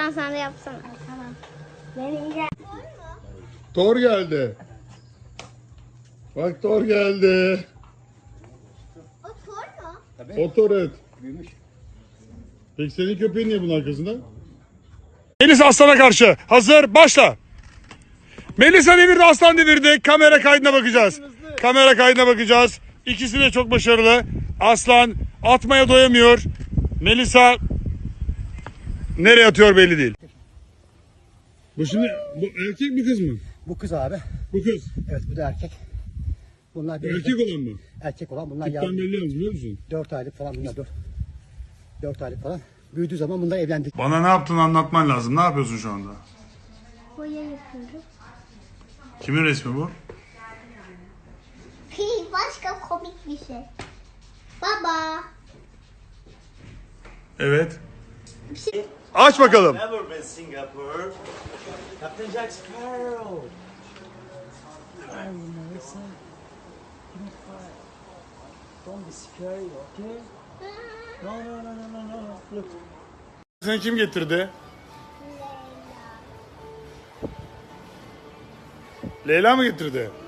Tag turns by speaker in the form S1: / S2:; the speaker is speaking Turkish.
S1: Aslan sen de yapsana. Tamam. Benim
S2: Thor geldi. Bak Thor geldi.
S1: O Thor mu?
S2: O Thor evet. Peki senin köpeğin niye bunun arkasında? Melisa aslana karşı. Hazır başla. Melisa devirdi, aslan devirdi. Kamera kaydına bakacağız. Kamera kaydına bakacağız. İkisi de çok başarılı. Aslan atmaya doyamıyor. Melisa nereye atıyor belli değil. Bu şimdi bu erkek mi kız mı?
S3: Bu kız abi.
S2: Bu kız.
S3: Evet bu da erkek. Bunlar
S2: Erkek olan mı?
S3: erkek olan bunlar
S2: Tipten belli yalnız biliyor musun?
S3: 4 aylık falan bunlar 4 aylık falan. Büyüdüğü zaman bunlar evlendik.
S2: Bana ne yaptığını anlatman lazım. Ne yapıyorsun şu anda?
S1: boya yapıyorum.
S2: Kimin resmi bu?
S1: Başka komik bir şey. Baba.
S2: Evet. Aç bakalım.
S4: Never been Singapore. Captain Jack Sparrow. Hi, Melissa. Don't cry. Don't be scary, okay? No. Look.
S2: Seni kim getirdi? Leyla mı getirdi?